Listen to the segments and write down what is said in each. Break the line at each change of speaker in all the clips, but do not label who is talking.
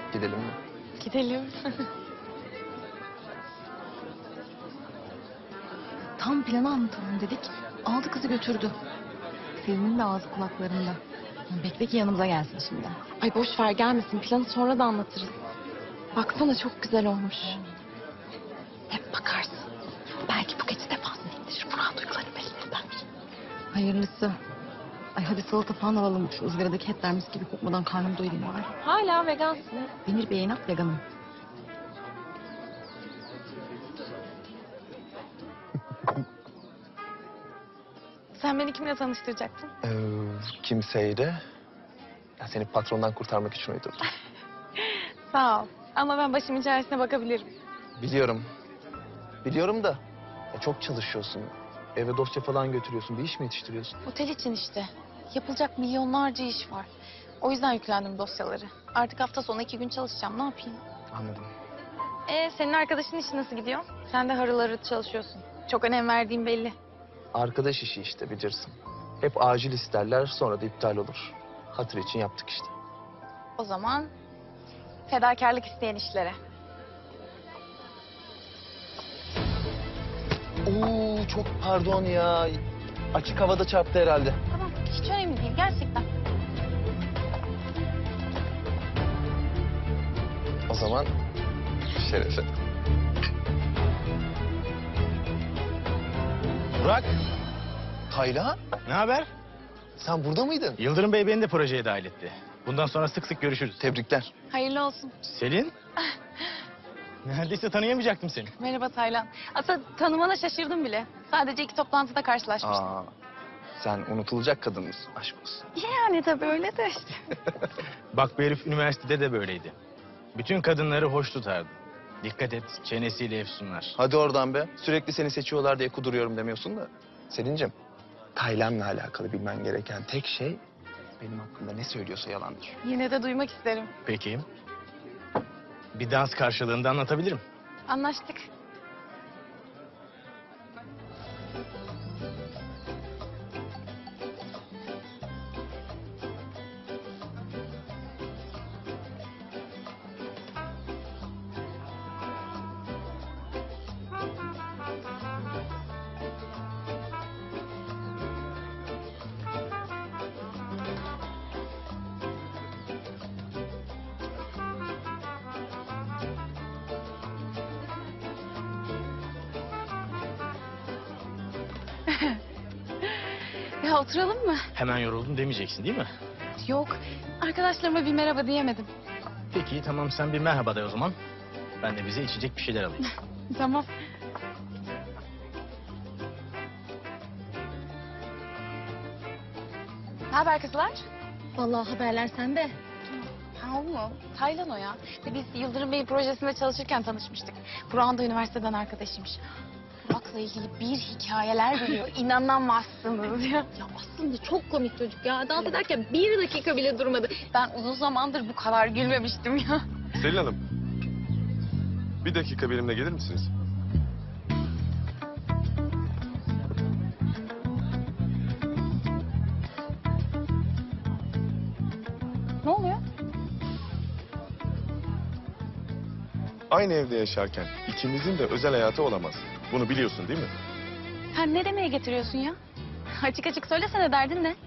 Gidelim mi?
Gidelim. Tam planı anlatalım dedik. Aldı kızı götürdü. Selin'in de ağzı kulaklarında. Bekle ki yanımıza gelsin şimdi. Ay boş ver gelmesin. Planı sonra da anlatırız. Baksana çok güzel olmuş. Hep bakarsın. Belki bu gece de fazla indirir. Burak'ın duygularını belli eder. Hayırlısı. Ay hadi salata falan alalım. Şu ızgaradaki etler mis gibi kokmadan karnım doyurayım bari. Hala vegansın. Demir Bey'e inat veganım. Sen beni kimle tanıştıracaktın?
Kimseyle. Ya seni patrondan kurtarmak için uydurdum.
Sağ ol. Ama ben başımın çaresine bakabilirim.
Biliyorum. Biliyorum da ya çok çalışıyorsun. Eve dosya falan götürüyorsun. Bir iş mi yetiştiriyorsun?
Otel için işte. Yapılacak milyonlarca iş var. O yüzden yüklendim dosyaları. Artık hafta sonu 2 gün çalışacağım. Ne yapayım?
Anladım.
Senin arkadaşın işi nasıl gidiyor? Sen de harıl harıl çalışıyorsun. Çok önem verdiğin belli.
Arkadaş işi işte bilirsin. Hep acil isterler sonra da iptal olur. Hatır için yaptık işte.
O zaman fedakarlık isteyen işlere.
Oo çok pardon ya. Açık havada çarptı herhalde.
Tamam hiç önemli değil gerçekten.
O zaman şerefe.
Burak,
Taylan,
ne haber?
sen burada mıydın?
Yıldırım Bey beni de projeye dahil etti. Bundan sonra sık sık görüşürüz.
Tebrikler.
Hayırlı olsun.
Selin? Neredeyse tanıyamayacaktım seni.
Merhaba Taylan. Aslında tanımana şaşırdım bile. Sadece 2 toplantıda karşılaşmıştık.
Sen unutulacak kadın mısın? Aşk olsun.
Yani tabii öyle de işte.
Bak bu herif üniversitede de böyleydi. Bütün kadınları hoş tutardı. Dikkat et, çenesiyle efsunlar.
Hadi oradan be. Sürekli seni seçiyorlar diye kuduruyorum demiyorsun da. Selin'cim, Taylan'la alakalı bilmen gereken tek şey benim hakkımda ne söylüyorsa yalandır.
Yine de duymak isterim.
Peki. Bir dans karşılığında anlatabilirim.
Anlaştık. Ya oturalım mı?
Hemen yoruldum demeyeceksin değil mi?
Yok. Arkadaşlarıma bir merhaba diyemedim.
Peki tamam sen bir merhaba de o zaman. Ben de bize içecek bir şeyler alayım.
Tamam. Ne haber kızlar?
Vallahi haberler sende.
Ha o mu? Taylan o ya. İşte biz Yıldırım Bey projesinde çalışırken tanışmıştık. Burak'ın da üniversiteden arkadaşıymış. Burak'la ilgili bir hikayeler biliyor. İnanamazsınız ya.
Ya aslında çok komik çocuk ya. Dans ederken 1 dakika bile durmadı.
Ben uzun zamandır bu kadar gülmemiştim ya.
Selin Hanım, bir dakika benimle gelir misiniz?
Ne oluyor?
Aynı evde yaşarken ikimizin de özel hayatı olamaz. Bunu biliyorsun değil mi?
Sen ne demeye getiriyorsun ya? Açık açık söylesene derdin ne?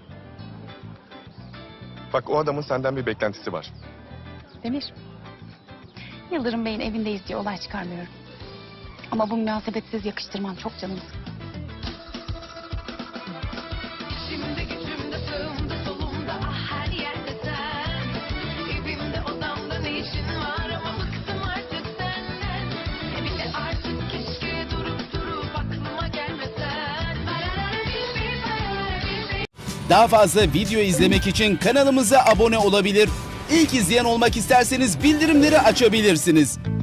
Bak o adamın senden bir beklentisi var.
Demir. Yıldırım Bey'in evindeyiz diye olay çıkarmıyorum. Ama bu münasebetsiz yakıştırman çok canımı sıktı.
İçimde gücümde sağımda solumda ah her yerde sen. Evimde odamda ne işin var ama bıktım artık senden. Bir de artık keşke durup aklıma gelmesen.
Daha fazla video izlemek için kanalımıza abone olabilir. İlk izleyen olmak isterseniz bildirimleri açabilirsiniz.